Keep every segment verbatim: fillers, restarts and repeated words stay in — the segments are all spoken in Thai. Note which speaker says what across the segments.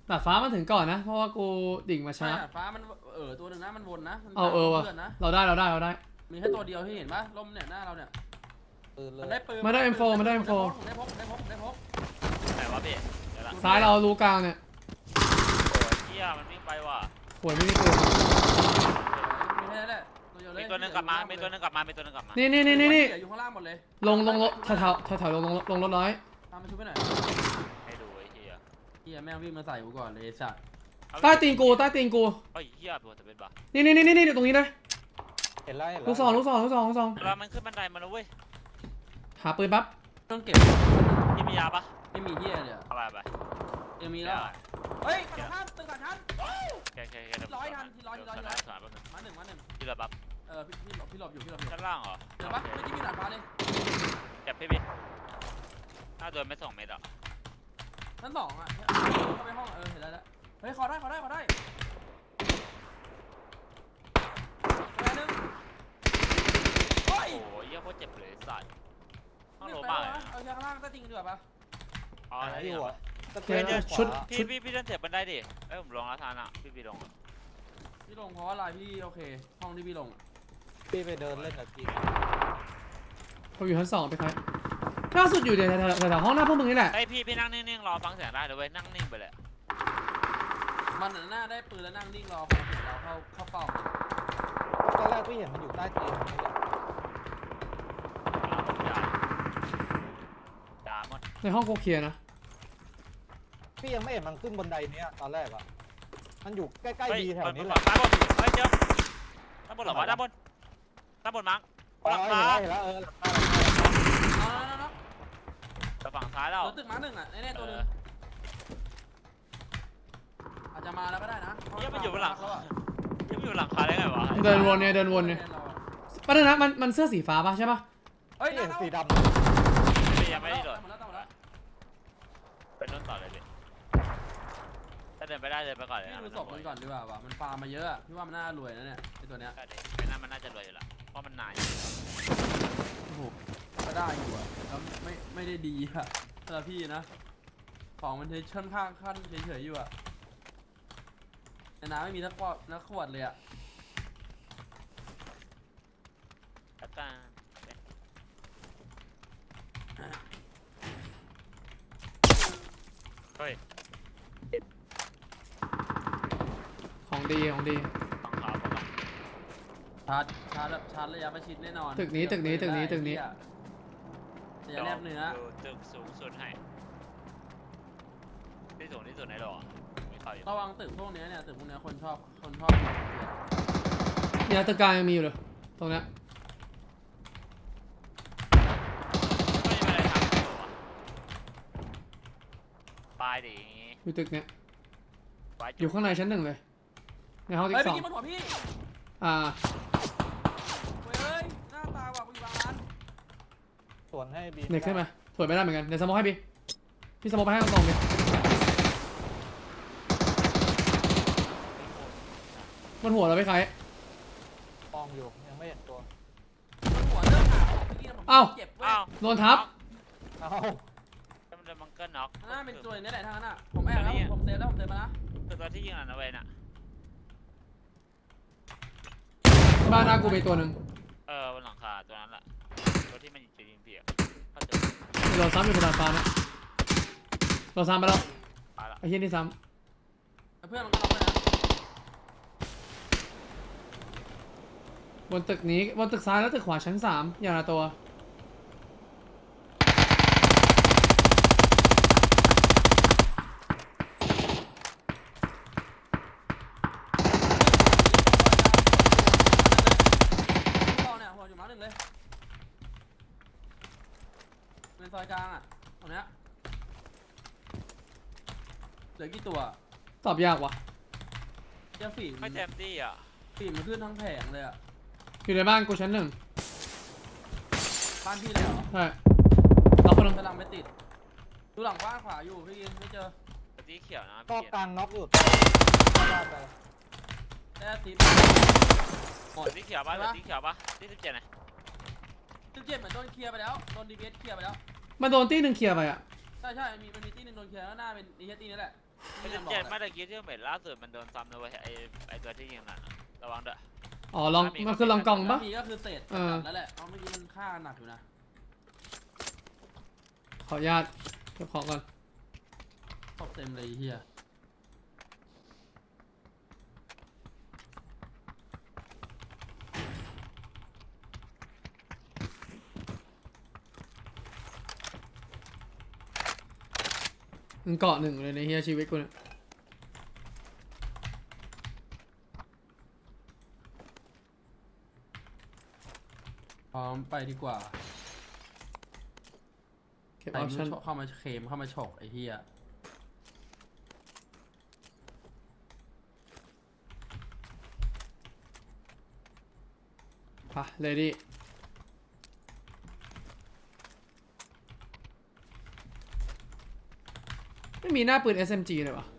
Speaker 1: ดาดฟ้ามันถึงก่อนนะเพราะว่ากูดิ่งมาช้า
Speaker 2: ดาดฟ้ามันเออตัวหนึ่งนะมันวนนะ
Speaker 1: เอาเออวะเราได้เราได้เราได้
Speaker 2: มีแค่ตัวเดียวที่เห็นปะล่มเนี่ยหน้าเราเนี่ยมันได้ปืน
Speaker 1: มาได้ เอ็ม โฟร์ มาได้ เอ็ม โฟร์
Speaker 2: ได้พกได้พกได้พก
Speaker 3: ไหนวะพี่
Speaker 1: ซ้ายเรารูกลางเนี่ย
Speaker 3: โอ้ยเหี้ยมันวิ่งไปว่ะ
Speaker 1: หวยไม่มีปืน
Speaker 2: มีแค่นั้นแหละตัวเดียวเลย
Speaker 3: มีตัวนึงกลับมามีตัวนึงกลับมามีตัวนึงกลับมา
Speaker 1: นี่นี่นี่นี่นี่
Speaker 2: อยู่ข้างล่างหมดเลย
Speaker 1: ลงลงรถแถวแถวแถวลงลงลงรถร้อย
Speaker 2: ตามมาช่วยไปหน่อย
Speaker 3: ให้ดูไอ้เหี้ย
Speaker 2: เฮียแม่งวิ่งมาใส่กูก่อนเลยสัตว์
Speaker 1: ใต้ตีนกูใต้ตีนกู
Speaker 3: ไอ้เหี้ยปวดจะเป็นบ้า
Speaker 1: นี่นี่นี่นี่ตรงนี้เลย
Speaker 4: เห็นแล้วเห็นแล้ว
Speaker 1: ลูกซองลูกซองลูกซองลูกซอง
Speaker 3: เวลามันขึ้นบันไดมาแล้วเว้ย
Speaker 1: หาปืนปั๊บ
Speaker 2: ต้องเก็บ
Speaker 3: พี่มียาปะ
Speaker 2: ไม่มีเฮียเลย
Speaker 3: อะไรไป
Speaker 2: ยังมีแล้วเฮ้ยกระชั้นตึกกระชั้น
Speaker 3: แกแกแก
Speaker 2: ร้อยทันทีร้อยทีร้อยทีร้อยมาหนึ่งมาหนึ่ง
Speaker 3: พี่หลบปั๊บ
Speaker 2: เออพี่พี่หลบพี่หลบอยู่พี่หลบอยู่
Speaker 3: ชั้นล่างเหรอ
Speaker 2: เดี๋ยวปะไม่ที่พี่หลัดฟ้าเลย
Speaker 3: เจ็บพี่พี่ถ้าโดนไม่สองเมตรอ่ะ
Speaker 2: ชั้นสองอ่ะเข้าไปห้องเออเห็นแล้วเฮ้ยขอได้ขอได้ขอได้แป๊บนึงโอ้ย
Speaker 3: โอ้ยเหี้ยโคตรเจ็บเลยสัตว์ห้องโล
Speaker 2: บ้าม
Speaker 3: ากเลย
Speaker 2: เอาชั้นล่างใต้จริงดีกว่าปะ
Speaker 3: อ๋อได้อยู่อ่ะ
Speaker 1: เดี๋ยวชุด
Speaker 3: พี่พี่พี่เดินเสียบันไดดิเอ้ยผมลงแล้วทานอ่ะพี่พี่ลงอ่ะ
Speaker 2: พี่ลงเพราะอะไรพี่โอเคห้องที่พี่ลง
Speaker 4: พี่ไปเดินเล่นกับพี่
Speaker 1: ผมอยู่ชั้นสองไปใครล่าสุดอยู่เดี๋ยวแถวแถวห้องหน้าพวกมึงนี่แหละ
Speaker 3: ไอพี่พี่นั่งนิ่งๆรอฟังเสียงได้เลยเว้ยนั่งนิ่งไปเลย
Speaker 2: มันหน้าได้ปืนแล้วนั่งนิ่งรอคนเราเข้าเข้าเป้า
Speaker 4: ตอนแรกพี่เห็นมันอยู่ใต้เตียงนี่แหละ
Speaker 3: ด่าหมด
Speaker 1: ในห้องกูเคลียร์นะ
Speaker 4: พี่ยังไม่เห็นมันขึ้นบนไดเนี้ยตอนแรกอ่ะมันอยู่ใกล้ๆดีแถวนี้แหละ
Speaker 3: ด้านบนเฮ้ยเจอด้านบนหรอวะด้านบนด้านบนมั้งหลังคา
Speaker 4: เห็นแล้วเออหลังคา
Speaker 2: เอาแล้ว
Speaker 3: แต่ฝั่งซ้ายเรา
Speaker 2: ตึกม้าหนึ่งอ่ะแน่ๆตัวนึงอาจจะมาแล้วก็ได้นะ
Speaker 3: ยังมันอยู่บนหลังยังอยู่หลังคาได้ไงวะ
Speaker 1: เดินวนเนี่ยเดินวนเนี่ยประเด็นนะมันมันเสื้อสีฟ้าป่ะใช่ป่ะ
Speaker 2: เฮ้ย
Speaker 4: เห็นสีดำ
Speaker 3: ยังไม่ได้โดดเป็นต้นต่อเลยดิถ้าเดินไปได้เดินไปก่อนเลยนะ
Speaker 2: ดูศพมันก่อนดีกว่าว่ะมันฟาร์มมาเยอะพี่ว่ามันน่ารวยนะเนี่ยไอตัวเนี้ย
Speaker 3: ไอ้นั่นมันน่าจะรวยอยู่ละเพราะมันนาย
Speaker 2: โอ้โหก็ได้อยู่อ่ะแล้วไม่ไม่ได้ดีอ่ะสำหรับพี่นะของมันเทชั่นข้างขั้นเฉยๆอยู่อ่ะในน้ำไม่มีนักขวดนักขวดเลยอ่ะ
Speaker 3: ตะการเฮ้ย
Speaker 1: ของดีของดี
Speaker 3: ฝั่งขาวฝั่ง
Speaker 2: ชาร์จชาร์จแบบชาร์จระยะประชิดแน่นอน
Speaker 1: ตึกนี้ตึกนี้ตึกนี้ตึกนี้
Speaker 2: จะแนบเนื้อ
Speaker 3: ตึกสูงสุดให้ที่สูงที่สุดในโลกมีใครอยู่
Speaker 2: ระวังตึกพวกนี้เนี่ยตึกพวกนี้คนชอบคนชอบ
Speaker 1: เนี่ยตึกกลางยังมีอยู่เลยตรงนี้
Speaker 3: ไม่มีอะไรทำอยู่วะปลายดิ
Speaker 1: อยู่ตึกเนี้ยอยู่ข้างในชั้นหนึ่งเลยในห้องที่สอง
Speaker 2: เฮ้ยพี่กินบนหัวพี่
Speaker 1: อ่า
Speaker 2: เฮ้ยหน้าตาว่ะกูอยู่บางร้าน
Speaker 4: สวนให้บี
Speaker 1: เน็กขึ้นมาสวนไม่ได้เหมือนกันเดี๋ยวสมองให้บีพี่สมองไปให้ตรงๆเลยบนหัวเราไปใคร
Speaker 4: มองอยู่ยังไม่เห็นตัว
Speaker 2: บนหัวเรื่องข่าวพี่ผมเจ็บเว้ย
Speaker 1: โดนทับ
Speaker 4: เอ้า
Speaker 3: มันเดินบังเกิลน็อก
Speaker 2: น่าเป็นตัวนี้แหละทางนั้นอ่ะผมแอบแล้วผมเซฟแล้วผมเซฟมานะ
Speaker 3: คือตัวที่ยิงอ่ะนะเว้ยน่ะ
Speaker 1: บ้านหน้ากูมีตัวหนึ่ง
Speaker 3: เออบนหลังคาตัวนั้นแหละตัวที่มันยิงยิงเปียก
Speaker 1: เราซ้ำอยู่บนดาดฟ้านะเราซ้ำไปแล้วไอ้เหี้ยนี่ซ้
Speaker 2: ำเพื่อนมันก็ล็อกเลยนะ
Speaker 1: บนตึกนี้บนตึกซ้ายแล้วตึกขวาชั้นสามอย่างละตัว
Speaker 2: เป็นซอยกลางอ่ะตรงเนี้ยเหลือกี่ตัว
Speaker 1: ตอบยากว่ะ
Speaker 2: เจ้าฝี
Speaker 3: ไม่แจมตี้อ่ะ
Speaker 2: ฝีมันขึ้นทั้งแผงเลยอ่ะ
Speaker 1: อยู่ในบ้านกูชั้นหนึ่ง
Speaker 2: บ้านพี่เลยเหรอ
Speaker 1: ใช่เราคนนึง
Speaker 2: กำลังไปติดดูหลังบ้านขวาอยู่พี่ไม่เจอ
Speaker 3: ตีเขียวนะ
Speaker 4: ก็กลางน็อกอยู่
Speaker 2: แค่ติด
Speaker 3: หมดตีเขียวป่ะตีเขียวป่ะตีสิบเจ็ดไง
Speaker 2: สิบเจ็ดเหมือนโดนเคลียร์ไปแล้วโดนดีเบสเคลียร์ไปแล้ว
Speaker 1: มันโดนตีหนึ่งเคลียร์ไปอ่ะ
Speaker 2: ใช่ใช่มีมันมีตีหนึ่งโดนเคลียร์แล้วหน้าเป็นดีเฮตีนี่แหละ
Speaker 3: ไม่
Speaker 2: ที่
Speaker 3: ได้
Speaker 2: ยังบอก
Speaker 3: เจ็ด
Speaker 2: แห
Speaker 3: ไม่
Speaker 2: ละ
Speaker 3: ได้คิดที่เหม็นล่าสุดมันโดนซ้ำนะเว้ยไอไอตัวที่ยิงนั่นอะระวังเด้อ
Speaker 1: อ๋อลองมันคือลองกองปะ
Speaker 2: มีก็คือเศษ
Speaker 1: เออ
Speaker 2: แล้วแหละเพราะเมื่อกี้มันฆ่าหนักอยู่นะ
Speaker 1: ขออนุญาตเก็บของก่อน
Speaker 2: ตบเต็มเลยไอ้เฮีย
Speaker 1: มึงเกาะหนึ่งเลยในเฮียชีวิตกูเนี่ย
Speaker 2: พร้อมไปดีกว่า
Speaker 1: เก็บ
Speaker 2: ใคร
Speaker 1: ออป
Speaker 2: ไม่
Speaker 1: ชั่น
Speaker 2: รู้เข้ามาเคลมเข้ามาฉกไอ้เฮีย
Speaker 1: ปะเลดี้ไม่มีหน้าปืน เอส เอ็ม จี เลยวะ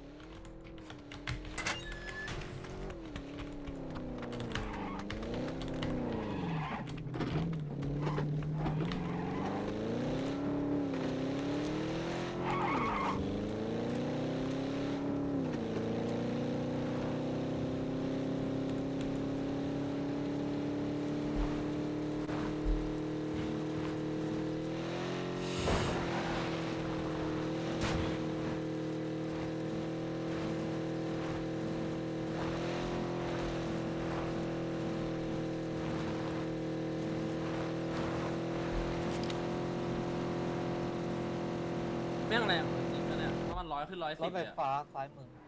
Speaker 2: แม่งแรงจริงนะเนี่ยเพราะมันร้อยขึ้นร้อย
Speaker 4: ร
Speaker 2: สิ
Speaker 4: ถ
Speaker 2: บ
Speaker 4: ไฟ
Speaker 2: เลยอะ
Speaker 4: ฟ้าซ้ายมือ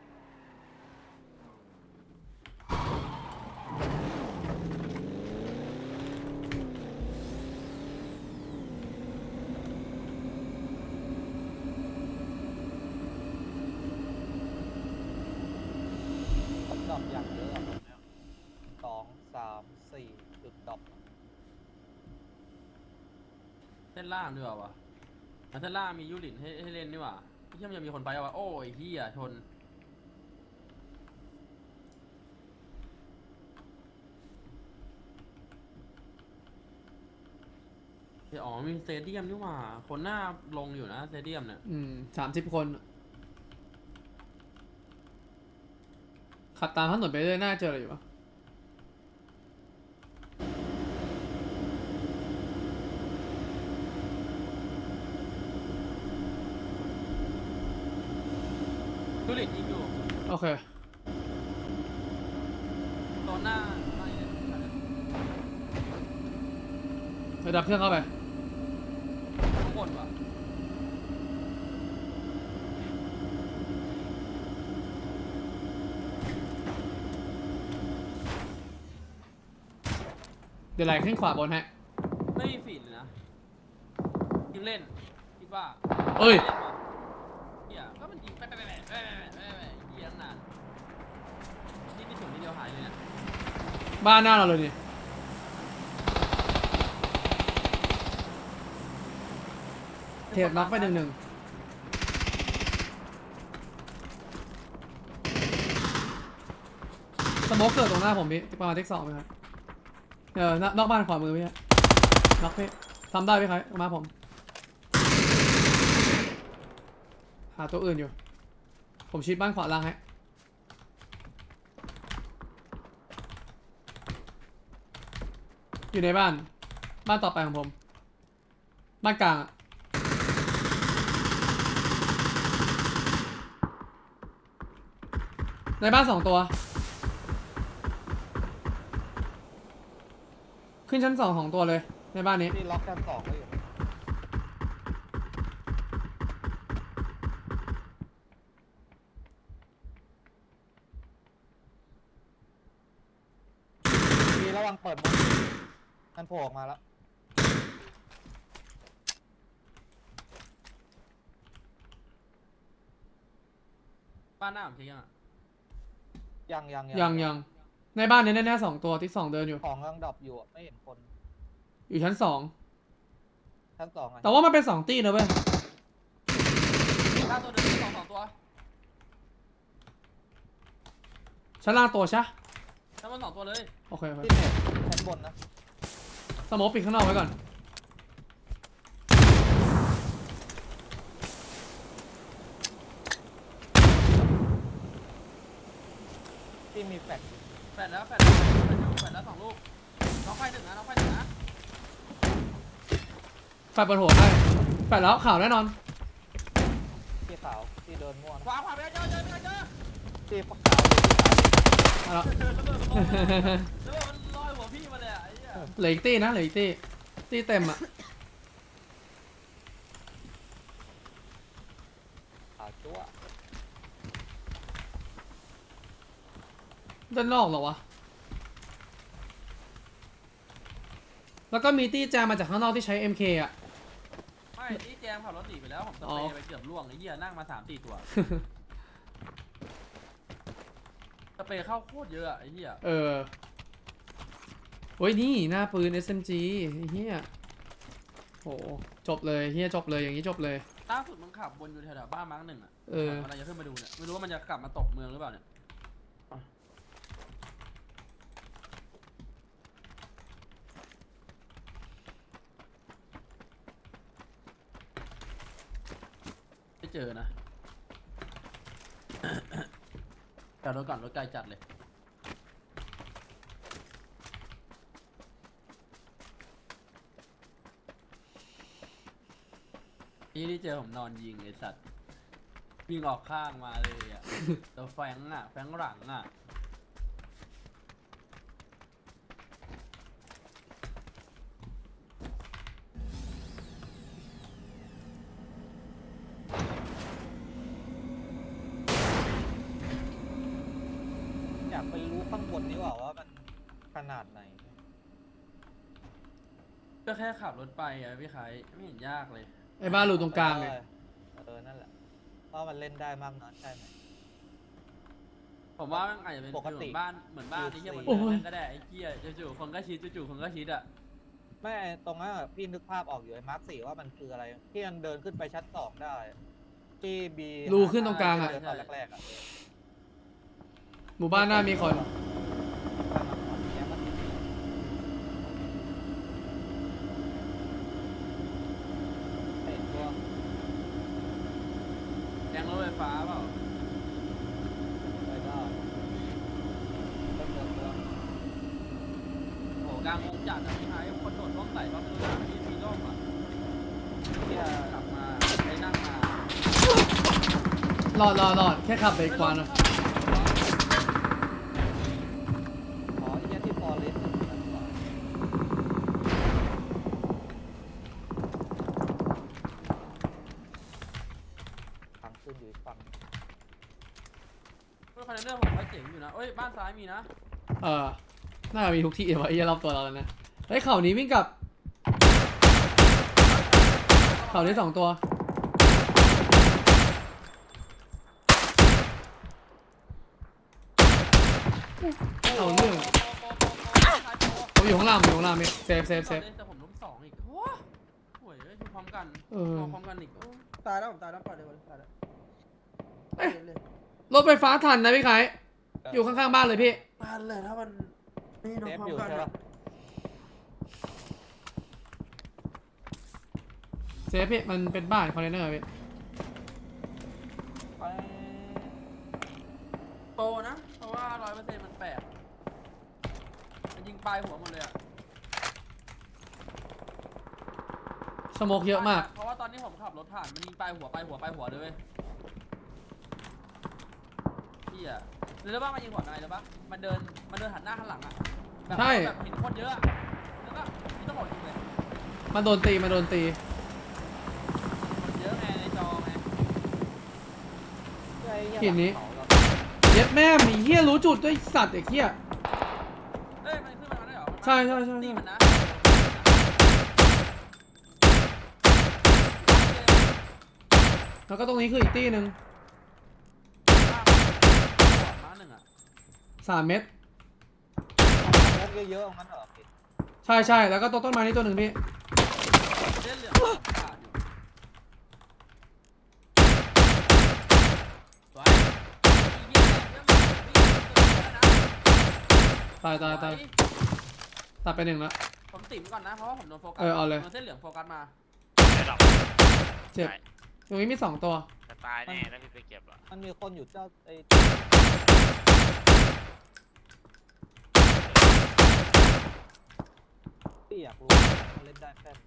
Speaker 4: ดรอปอย่างเยอะอะแบบเนี้ยสองสามสี่จุดดรอป
Speaker 2: เส้นล่างด้วยวะอ่ะเส้นล่างมียูรินให้ให้เล่นนี่หว่าไอ้เฮียมันจะมีคนไปวะโอ้ยเฮียชนเดี๋ยวอ๋อมีสเตเดียมนี่หว่าคนหน้าลงอยู่นะสเตเดียมเนี่ย
Speaker 1: อืมสามสิบคนขับตามถนนไปเรื่อยน่าเจออะไรอยู่วะ
Speaker 2: ยูรินยิงอยู่
Speaker 1: โอเค
Speaker 2: ตอนหน้าไม่เลย
Speaker 1: ระดับเครื่องเข้าไป
Speaker 2: ข้างบนว่ะ
Speaker 1: เดี๋ยวไหลขึ้นขวาบนฮะ
Speaker 2: ไม่มีฟีดเลยนะยิงเล่นคิดว่า
Speaker 1: เอ้ย
Speaker 2: ล่นว่ะเฮียก็มันยิงไปไปไปไปไปไปไปเฮียตั้งนานนี่มีถึงทีเดียวหายเลยนะ
Speaker 1: บ้านหน้าเราเลยนี่เทปน็อกไปหนึ่งหนึ่งสโมกเกิดตรงหน้าผมพี่ประมาณเทคสองไหมครับเออนอกบ้านขวามือพี่ฮะน็อกพี่ทำได้พี่ครับมาผม หาตัวอื่นอยู่ ผมชิดบ้านขวาล่างฮะอยู่ในบ้าน บ้านต่อไปของผม บ้านกลางอะในบ้านสองตัว ขึ้นชั้นสองของตัวเลย ในบ้านนี้
Speaker 4: ที่ล็อกกันสองก็อยู่มีระวังเปิดมุมมันโผล่ออกมาแล้ว
Speaker 2: บ้านหน้าผมเช็คยังอ่ะ
Speaker 4: ยังยัง
Speaker 1: ยังยังในบ้านนี้แน่ๆสองตัวที่สองเดินอยู่
Speaker 4: ของยังดรอปอยู่อะไม่เห็นคน
Speaker 1: อยู่ชั้นสอง
Speaker 4: ชั้นสองอะ
Speaker 1: แต่ว่ามันเป็นสองตีนะเว้ย
Speaker 2: หน้าตัวเดิมสองสองตัว
Speaker 1: ชั้นล่างตัวใช่
Speaker 2: ถ้ามันสองตัวเลย
Speaker 1: โอเคโอเค
Speaker 4: ที่เน็ตชั้นบนนะ
Speaker 1: สโมกปิดข้างนอกไว้ก่อน
Speaker 4: พี่มีแฟลช
Speaker 2: แปดแล้วแปดแล้วแปดแล้วสองลูกน้องไฟหนึ่งนะน้องไฟหนึ่งนะ
Speaker 1: แฟดบนหัวให้แฟดแล้วข่าวแน่นอน
Speaker 4: พี่ขาวพี่เดินมั่ว
Speaker 2: ข
Speaker 4: นะ
Speaker 2: วาขวาไปเจอเจอเจอเจอ
Speaker 4: พี่ขาว
Speaker 1: เอาละ
Speaker 2: เจอระเบิดระเบิดมันลอยหัวพี่มาเลยอ่ะไอ้เหี้ย
Speaker 1: เหลืออีกตี้นะเหลืออีกตี้ตี้เต็มอ่ะ
Speaker 4: ขาวจั๊ว
Speaker 1: ด้านนอกเหรอวะแล้วก็มีตี้แจมมาจากข้างนอกที่ใช้ เอ็ม เค อ่ะ
Speaker 2: ไม่ที่แจมขับรถหนีไปแล้วผมสเปรย์ไปเกือบล่วงไอ้เหี้ยนั่งมาสามสี่ตัวสเปรย์เข้าโคตรเยอะอะไอ้เหี้ย
Speaker 1: เออโอ้ยนี่หน้าปืน เอส เอ็ม จี ไอ้เฮียโหจบเลยเฮียจบเลยอย่างนี้จบเลย
Speaker 2: ล่าสุดมันขับวนอยู่แถวๆบ้านมั้งหนึ่งอ่ะ
Speaker 1: เออ
Speaker 2: มันจะขึ้นมาดูเนี่ยไม่รู้ว่ามันจะกลับมาตกเมืองหรือเปล่าเนี่ยไม่เจอนะ จอดรถก่อนรถไกลจัดเลยนี่ที่เจอผมนอนยิงไอ้สัตว์ยิงออกข้างมาเลยอ่ะ ตัวแฟงอ่ะแฟงหลังอ่ะ
Speaker 4: อยากไปรู้ข้างบนนี้ว่าว่ามันขนาดไหน
Speaker 2: ก็แค่ขับรถไปอ่ะพี่ไข่ไม่เห็นยากเลย
Speaker 1: ไอ้บ้านรูตรงกลางไง
Speaker 4: เออนั่นแหละว่ามันเล่นได้มากน้อยใช่ไหม
Speaker 2: ผมว่ามันอาจจะเป็น
Speaker 4: ปกติ
Speaker 2: เหมือนบ้านเหมือนบ้านที่เที่ยบน
Speaker 1: โอ้
Speaker 2: เนิ
Speaker 1: ย
Speaker 2: นก็ได้ไอ้เกี้ยจู่ๆคนก็ชิดจู่ๆคนก็ชิดอ่ะ
Speaker 4: ไม่ไอ้ตรงนั้นอะพี่นึกภาพออกอยู่ไอ้มาร์คสี่ว่ามันคืออะไรที่มันเดินขึ้นไปชั้นสองได้ที่บี
Speaker 1: รูขึ้นตรงกลางอะ
Speaker 4: เดินตอนแรกๆอะ
Speaker 1: หมู่บ้านหน้ามีคน
Speaker 4: เห็นตัว
Speaker 2: แกงรถไฟฟ้าเปล่า
Speaker 4: ไปได้เดินเดินตัว
Speaker 2: โอ้กลางวงจัดอ่ะพี่ไข่คนโดดร่มใส่ก็ไม่รู้นะมีมีร่มอ่ะ
Speaker 4: เนี่ย
Speaker 2: กลับมาไปนั่งมาร
Speaker 1: อดรอดรอดแค่ขับไปกวานอะ
Speaker 4: อ๋อไอ้เนี่ยที่ฟอร์เรสต์นั่นหว่าทางขึ้นอยู่อีกฝั่ง
Speaker 2: เฮ้ยคอนเทนเนอร์ผมก็เจ๋งอยู่นะเอ้ยบ้านซ้ายมีนะ
Speaker 1: เออน่าจะมีทุกที่เลยวะไอ้เหี้ยรอบตัวเราแล้วนะเฮ้ยเข่านี้วิ่งกลับเข่านี้สองตัวเอาเรื่องผมอยู่ข้างล่างผมอยู่ข้างล่างมิเซฟเซฟเซฟ
Speaker 2: แต่ผมล้มสองอีกโอ้ยโอ้ยอยู่พร้อมกัน
Speaker 1: เออ
Speaker 2: พร้อมกันอีกโอ้ยตายแล้วผมตายแล้วปล่อยเลยตายแล้ว
Speaker 1: เอ๊ะรถไฟฟ้าทันนะพี่ไข่อยู่ข้างๆบ้านเลยพี่
Speaker 2: ตายเลยถ้ามันนี่น้อง
Speaker 4: เซฟ
Speaker 2: พร้อ
Speaker 4: อยู่
Speaker 2: มกัน
Speaker 4: ใช่
Speaker 2: อะ
Speaker 4: ปะ
Speaker 1: เซฟพี่มันเป็นบ้านคอนเทนเนอร์พี่
Speaker 4: ไป
Speaker 2: โตนะ เพราะว่าร้อยเปอร์เซ็นต์มันแปลกมันยิงปลายหัวหมดเลยอะ
Speaker 1: สโมกเยอะมาก
Speaker 2: เพราะว่าตอนนี้ผมขับรถผ่านมันยิงปลายหัวปลายหัวปลายหัวเลยเว้ยพี่อะหรือว่ามันยิงหัวอะไรหรือปะมันเดินมันเดินหันหน้าหันหลังอะแบบ
Speaker 1: ใช่
Speaker 2: แบบเห็นคนเยอะอะแล้วก็นี่ต้องบอกจริงเลย
Speaker 1: มันโดนตีมันโดนตี
Speaker 2: คนเยอะไงในจอไง
Speaker 4: ไอ้เหี้ย
Speaker 1: หินนี้
Speaker 4: หลังเขาเรา
Speaker 1: เย็ดแม่มีเฮียรู้จุดด้วยสัตว์ไอ้เฮีย
Speaker 2: เอ้ยมันขึ้นมาได้เหรอมันมา
Speaker 1: ใช่ใช่ใช่
Speaker 2: ตีมันนะ
Speaker 1: แล้วก็ตรงนี้คืออีกตี้หนึ่ง
Speaker 2: มาหนึ่งอะ
Speaker 1: สามเม็ด
Speaker 4: สโมกเยอะๆเอางั้นเหรอพี่
Speaker 1: ใช่ใช่แล้วก็ต้นต้นไม้นี่ตัวหนึ่งพี่
Speaker 2: เส้นเหลืองขาดอยู่สวยอีเหี้ยเรื่องมันวิ่งเกินแล้วนะ
Speaker 1: ตายตายตายตัดไปหนึ่งแล้ว
Speaker 2: ผมติ่มก่อนนะเพราะว่าผมโดนโฟกัส
Speaker 1: เออเอาเลย
Speaker 2: โดนเส้นเหลืองโฟกัสมา
Speaker 3: ได้หรอก
Speaker 1: เจ็บ
Speaker 3: ใช่
Speaker 1: ตรงนี้มีสองตัว
Speaker 3: จะตายแน่ถ้าพี่ไปเก็บอ่ะ
Speaker 4: มันมีคนอยู่เจ้าไอ้พี่อยากรู้ว่ามันเล่นได้แค่ไหน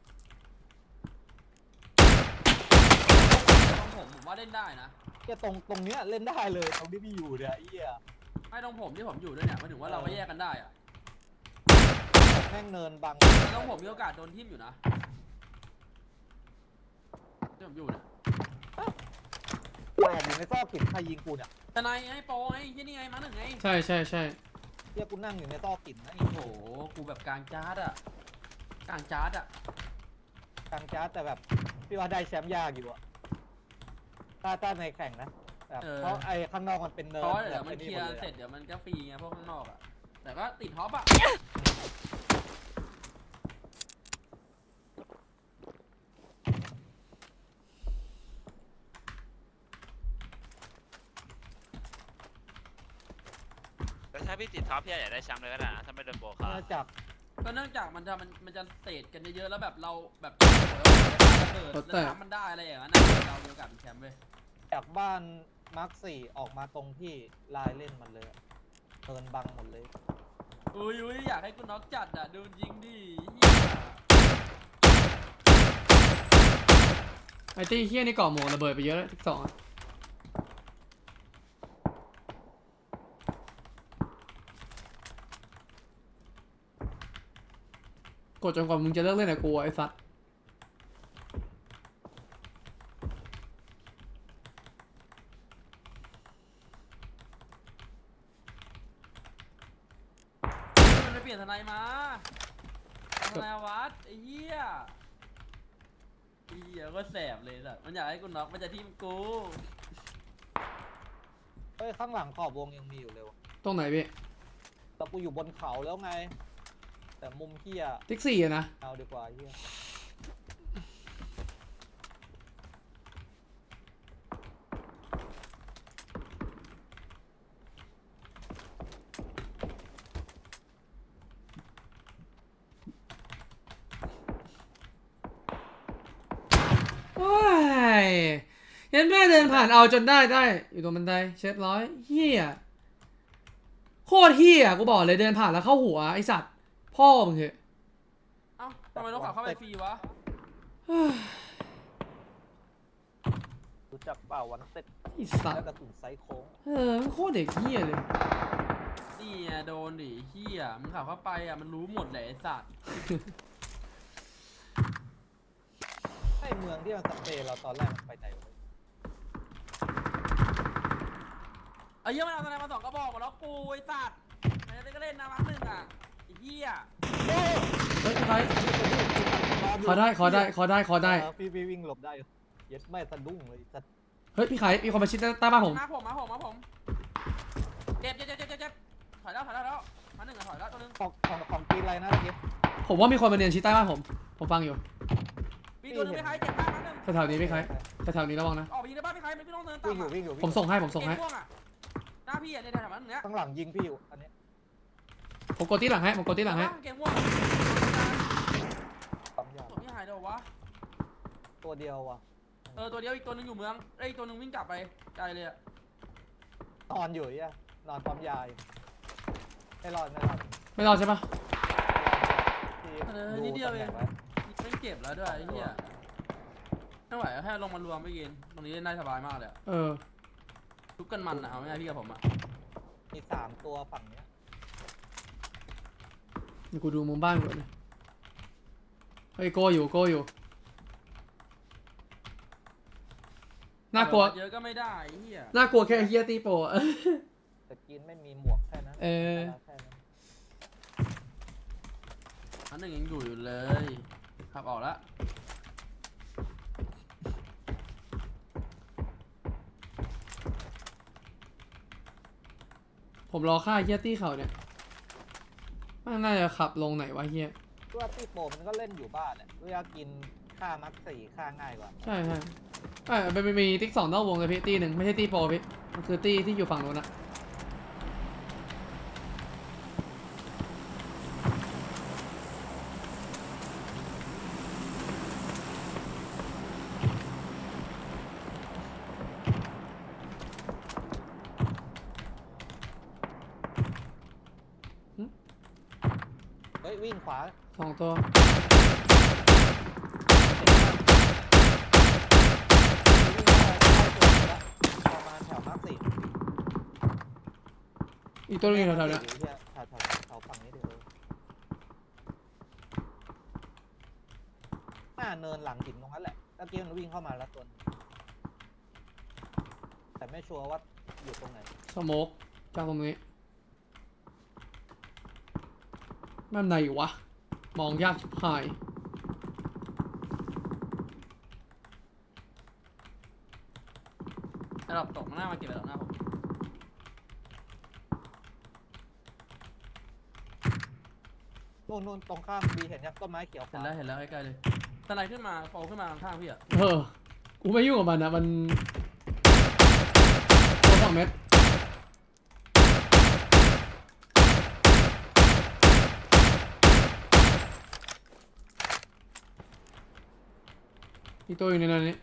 Speaker 2: ตรงผมผมว่าเล่นได้นะ
Speaker 4: แค่ตรงตรงเนี้ยเล่นได้เลยตรงที่พี่อยู่เนี่ยไอ้เหี้ย
Speaker 2: ไม่ตรงผมที่ผมอยู่ด้วยเนี่ยหมายถึงว่าเราก็แยกกันได้อะ
Speaker 4: แม่งเนินบัง
Speaker 2: แต่ตรงผมมีโอกาสโดนทิ่มอยู่นะที่ผมอยู่เนี่ย
Speaker 4: แอบอยู่ในซอกหินใครยิงกูเนี่ย
Speaker 2: ทนายไงโปรไงที่นี่ไงมาหนึ่งไง
Speaker 1: ใช่ใช่ใช่
Speaker 4: เหี้ยกูนั่งอยู่ในซอกหินนะไอ้
Speaker 2: โอ้โหกูแบบกลางจาร์ดอะกลางจาร์ดอะ
Speaker 4: กลางจ้าแต่แบบพี่ว่าได้แชมป์ยากอยู่อะถ้าถ้าในแข่งนะแบบเพราะไอ้ข้างนอกมันเป็นเนิน
Speaker 2: เพราะเดี๋ยว
Speaker 4: แบบ
Speaker 2: มัน
Speaker 4: ไอ้
Speaker 2: เคลียร์
Speaker 4: หดล
Speaker 2: เสร็จเดี๋ยวมันก็ฟรีไงพวกข้างนอกอะแต่ก็ติดท็อปอะ
Speaker 3: แต่ถ้าพี่ติดท็อปพี่อยากได้แชมป์เลยก็ได้นะถ้าไม่โดนโบคา
Speaker 4: เนื่องจาก
Speaker 2: ก็เนื่องจากมันจะมันมันจะเตะกันเยอะๆแล้วแบบเราแบบระเบิดแล้วทำมันได้อะไรอย่างนั้นนะเรามีโอกาสเป็นแชมป์เว้ย
Speaker 4: จากบ้านมาร์คสี่ออกมาตรงที่ลายเล่นมันเลยอะเนินบังหมดเลย
Speaker 2: อุ้ยอุ้ยอยากให้กูน็อกจัดอะดูยิงดิ
Speaker 1: ไอ้ตี้เฮี้ยนี่ก่อหมวกระเบิดไปเยอะแล้วทิกสองอะกดจนกว่ามึงจะเลิกเล่นกับกูอะไอ้สัตว์
Speaker 2: มันไปเปลี่ยนทนายมาทนายวัดไอ้เหี้ยไอ้เหี้ยก็แสบเลยสัตว์มันอยากให้กูน็อกมันจะทิ่มกู
Speaker 4: เฮ้ยข้างหลังขอบวงยังมีอยู่เลยวะ
Speaker 1: ตรงไหนพี่
Speaker 4: แต่กูอยู่บนเขาแล้วไง แต่มุมเฮีย
Speaker 1: ทิกสี่อะนะ
Speaker 4: เอาดีกว่าเฮีย
Speaker 1: โอ้ยยันแม่เดินผ่านเอาจนได้ได้ อยู่ตรงบันไดเช็ดร้อยเฮี้ยโคตรเฮี้ยกูบอกเลยเดินผ่านแล้วเข้าหัวไอสัตว์พ่อมึงเหอะ
Speaker 2: เอ้าทำไมต้องขับเข้าไปฟรีวะ
Speaker 4: รู้จักเปล่าวันเซ็ต
Speaker 1: ไอสัต
Speaker 4: แล้ว
Speaker 1: ว์
Speaker 4: กระสุนไซส์โค้ง
Speaker 1: เออมันโคตรเด็กเฮี้ยเลย
Speaker 2: นี่ไงโดนดิเหี้ยมึงขับเข้าไปอ่ะมันรู้หมดแหละไอ้สัตว์
Speaker 4: ไอ้เมืองที่มันสเปรย์เราตอนแรกมันไปไหนวะ
Speaker 2: ไอ้เหี้ยมันเอาทนายมาสองกระบอกมาแล้วกูไอ้สัตว์มันจะได้ก็เล่นนะมั้งหนึ่งอ่ะไอ้เหี้ย
Speaker 1: เฮ้ยใครขอได้ขอได้ขอได้ขอได้
Speaker 4: เออพี่พี่วิ่งหลบได้อยู่เย็ดไม่สะดุ้งเลยจะ
Speaker 1: เฮ้ยพี่ไข่มีคนมาชิดใต้บ้านผม
Speaker 2: มาผมมาผมมาผมเจ็บเจ็บเจ็บเจ็บเจ็บถอยแล้วถอยแล้วแล้วมาหนึ่งอ่ะถอยแล้วตัวนึง
Speaker 4: ของของของกินอะไรนะเมื่อกี้
Speaker 1: ผมว่ามีคนมาเนียนชิดใต้บ้านผมผมฟังอยู่
Speaker 2: มีตัวนึงไม่ใครเจ็บมากมาหนึ่ง
Speaker 1: แถวๆนี้พี่ไข่แถวๆนี้ระวังนะ
Speaker 2: ออกไปยิงในบ้านไม่ใครไม่ต้องเดินตา
Speaker 4: วิ่
Speaker 2: ม
Speaker 4: งอยู่
Speaker 2: อ่ะ
Speaker 4: วิ่งอยู่วิ่
Speaker 1: ผมส่งให้ผมส่งให้
Speaker 2: เกมม่วงอ่ะหน้าพี่อ่ะในแถวๆนั้นเนี้ย
Speaker 4: ข้างหลังยิงพี่อยู่อันนี้
Speaker 1: ผมกดที่หลังให้ผมกดที่หลังให้
Speaker 2: เกมม่วง
Speaker 4: ปั๊มยา
Speaker 2: ตัวนี้หายเดี๋ยววะ
Speaker 4: ตัวเดียวว่ะ
Speaker 2: เออตัวเดียวอีกตัวนึงอยู่เมืองไอ้ยอีกตัวนึงวิ่งกลับไปไกลเลยอ่ะ
Speaker 4: นอนอยู่อ่ะนอนปั๊มยาอยู่ไม่รอดไม่รอด
Speaker 1: ไม่รอดใช่ปะ
Speaker 4: ที่ดูตำแหน่งไว้
Speaker 2: ไม่เก็บแล้วด้วยไอ้เหี้ยไม่ไหวแค่ลงมารวมไม่กินตรงนี้เล่นได้สบายมากเลยอะ
Speaker 1: เออ
Speaker 2: ทุกกันมันอะเอาง่ายๆพี่กับผมอะ
Speaker 4: มีสามตัวฝั่งเนี้ย
Speaker 1: เดี๋ยวกูดูมุมบ้านก่อนนะเฮ้ยโกอยู่โกอยู่น่ากลัว
Speaker 2: เยอะก็ไม่ได้ไอ้เหี้ย
Speaker 1: น่ากลัวแค่เฮียตีโปะ
Speaker 4: แต่กินไม่มีหมวกแค่นั้น
Speaker 1: เออ
Speaker 4: แค่นั้น
Speaker 2: อันหนึ่งยังอยู่อยู่เลยขับออกแล้ว
Speaker 1: ผมรอฆ่าเฮียตี้เขาเนี่ยมันน่าจะขับลงไหนวะเฮีย
Speaker 4: ตัวตีโปมันก็เล่นอยู่บ้านแหละเวลากินค่ามักสี่ค่าง่ายกว่า
Speaker 1: ใช่ใช่เอ้ยมันมีติ๊กสองนอกวงเลยพี่ตีหนึ่งไม่ใช่ตีโปรพี่มันคือตีที่อยู่ฝั่งโน้นอะ
Speaker 4: ฮ้ยวิ่งขวา
Speaker 1: สองตัว
Speaker 4: ประมาณแถวมาร์คสี่
Speaker 1: อีกตัวนึงอยู่แถวๆเนี้ย
Speaker 4: แถวแถวแถวฝั่งนี้เดี๋ยวหน้าเนินหลังหินตรงนั้นแหละตะกี้มันวิ่งเข้ามาแล้วตัวนึงแต่ไม่ชัวร์ว่าอยู่ตรงไหน
Speaker 1: สโมกจากตรงนี้แม่นไหนวะมองยากชิบหาย
Speaker 2: ระดับตกหน้ามาเก็บระดับหน้าผม
Speaker 4: นู่นนู่นตรงข้ามบีเห็นยังต้นไม้เขียวข
Speaker 2: เห็น
Speaker 4: วา
Speaker 2: แล้วเห็นแล้วใกล้ๆเลยสไลด์ขึ้นมาโผล่ขึ้นมาข้างๆพี่อะ
Speaker 1: เออกูไม่ยุ่งกับมันนะมันตัวสองเม็ดอีกตัวอยู่ในนั้นนี้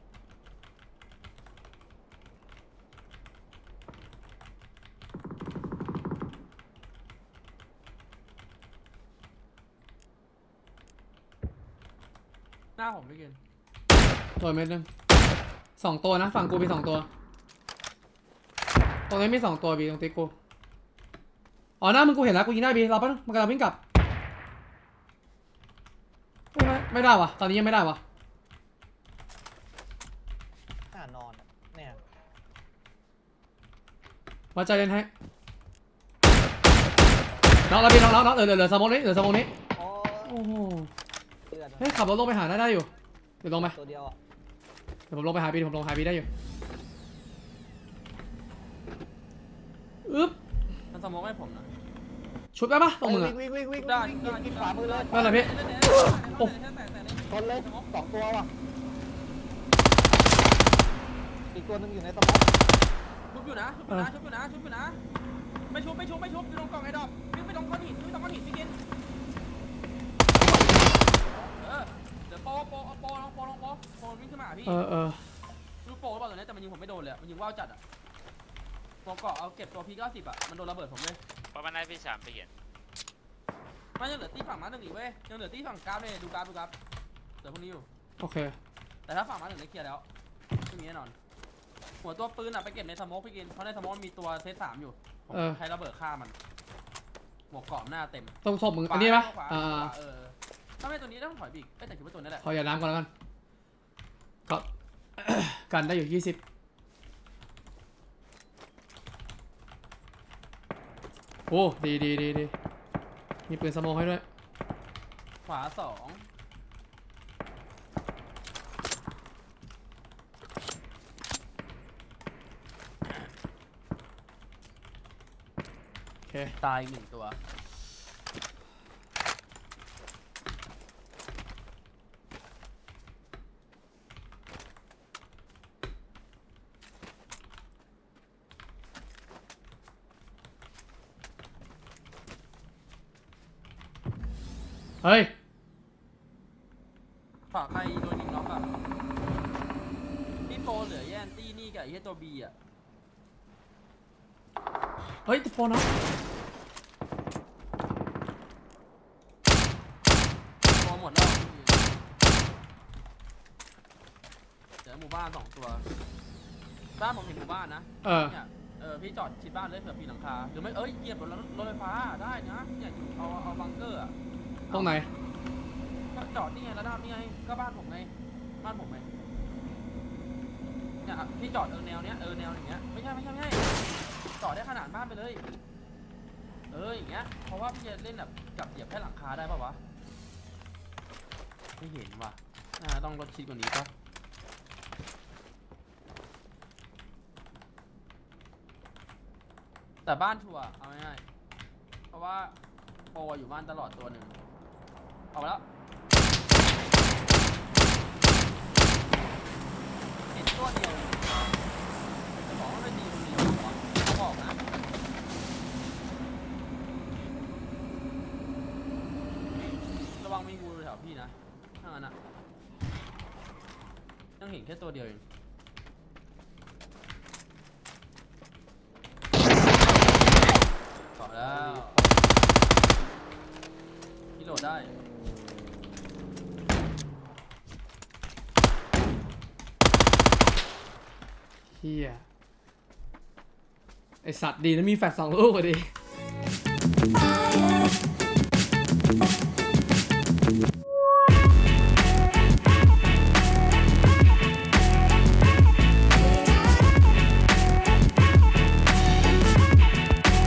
Speaker 2: หน้าผมพี่กิน
Speaker 1: ตัวเม็ดนึงสองตัวนะฝั่งกูมีสองตัวตรงนี้มีสองตัวบีตรงติ๊กกูอ๋อหน้ามึงกูเห็นแล้วกูยิงได้บีเราปะมันกำลังวิ่งกลับไม่ไม่ไม่ได้วะตอนนี้ยังไม่ได้วะ
Speaker 4: หน้านอนอะเนี่ย
Speaker 1: มาใจเล่นให้น้องเราบีน้องน้องน้องเหลือเหลือเหลือสมองนี้เหลือสมองนี้
Speaker 4: โอ้
Speaker 1: โอ้โห
Speaker 4: เลือด
Speaker 1: เฮ้ยขับรถลงไปหาได้ได้อยู่เดี๋ยวลงไป
Speaker 4: ตัวเดียวอ่ะ
Speaker 1: เดี๋ยวผมลงไปหาบีเดี๋ยวผมลงหาบีได้อยู่อึ๊บ
Speaker 2: มันสมองให้ผมนะ
Speaker 1: ชุบได้ปะตรงมือ
Speaker 4: วิ่งวิ่งวิ่งวิ่ง
Speaker 2: ได้
Speaker 4: วิ่ง
Speaker 2: ได้
Speaker 4: กินขวามือเลย
Speaker 1: นั่นแหละพี่ โอ้
Speaker 4: ชนเลยสองตัวว่ะอีกตัวหนึงอยู่ในสมอง
Speaker 2: ชุบอยู่นะชุบอยู่นะชุบอยู่นะชุบอยู่นะไม่ชุบไม่ชุบไม่ชุบอยู่ตรงกล่องไอ้ดอกวิ่งไปตรงก้อนหินวิ่งไปตรงก้อนหินพี่กินเออเดี๋ยวโปโปเอาโปลองโปลองโปโปวิ่งขึ้นมาหาพี่
Speaker 1: เออเออ
Speaker 2: ลูกโปหรือเปล่าตัวนี้แต่มันยิงผมไม่โดนเลยอะมันยิงว่าวจัดอ่ะตัวเกาะเอาเก็บตัวพีเก้าสิบอ่ะมันโดนระเบิดผมเลย
Speaker 3: เพราะมันได้พี่สามไปเห็น
Speaker 2: มันยังเหลือตีฝั่งม้าหนึ่งอีกเว้ยยังเหลือตีฝั่งกราฟเลยดูกราฟดูกราฟเหลือพวกนี้อยู่
Speaker 1: โอเค
Speaker 2: แต่ถ้าฝั่งม้าหนึ่งได้เคลียร์แล้วไม่มีแน่นอนหัวตัวปืนอ่ะไปเก็บในสโมกพี่กินเพราะในสโมกมีตัวเซตสามอยู่ผม
Speaker 1: เออ
Speaker 2: ใช้ระเบิดฆ่ามันหมวกเกราะหน้าเต็ม
Speaker 1: ตรงศพมึงอันนี้ปะ
Speaker 2: ขวา
Speaker 1: อ่า
Speaker 2: ขวาเออถ้าไม่ตัวนี้ต้องถอยบีกเอ้ยแต่คิดว่าตัวนี้แหละ
Speaker 1: ขออย่าน้ำก่อนแล้วกันก็ กันได้อยู่ยี่สิบโอ้ดีดีดีดีมีปืนสโมองให้ด้วย
Speaker 2: ขวาสอง
Speaker 1: โอเค
Speaker 2: ตายอีกหนึ่งตัว
Speaker 1: เฮ้ย
Speaker 2: ฝากใครโดนยิงน็อกอ่ะพี่โปเหลือแย่นตี้นี่กับไอ้เหี้ยตัวบีอ่ะ
Speaker 1: เฮ้ยตะโพนนะ
Speaker 2: ตัวหมดแล้วเดี๋ยวหมู่บ้านสองตัวบ้านผมเห็นหมู่บ้านนะ
Speaker 1: เออ
Speaker 2: เนี่ยเออพี่จอดชิดบ้านเลยเผื่อปีนหลังคาหรือไม่เอ้ยเหยียบรถรถไฟฟ้าได้นะเนี่ยอยู่เอาเอาบังเกอร์อ่ะ
Speaker 1: ตรงไหน
Speaker 2: ก็จอดนี่ไงระดับนี่ไงก็บ้านผมไงบ้านผมไงเนี่ยพี่จอดเออแนวเนี้ยเออแนวอย่างเงี้ยไม่ใช่ไม่ใช่ไม่ใช่จอดได้ขนาดบ้านไปเลยเอออย่างเงี้ยเพราะว่าพี่จะเล่นแบบกับเหยียบแค่หลังคาได้ป่าววะไม่เห็นว่ะอ่าต้องรถชิดกว่านี้ป่ะแต่บ้านชัวร์เอาง่ายๆเพราะว่าโปรอยู่บ้านตลอดตัวหนึ่งเอาไปแล้วเห็นตัวเดียวจะบอกว่าไม่ดีคนเดียวเหรอเขาบอกนะระวังมีงูแถวพี่นะถ้างั้นอะยังเห็นแค่ตัวเดียวเองต่อแล้วพี่โหลดได้
Speaker 1: เฮียไอสัตว์ดีนะมีแฟลชสองลูกอะดิ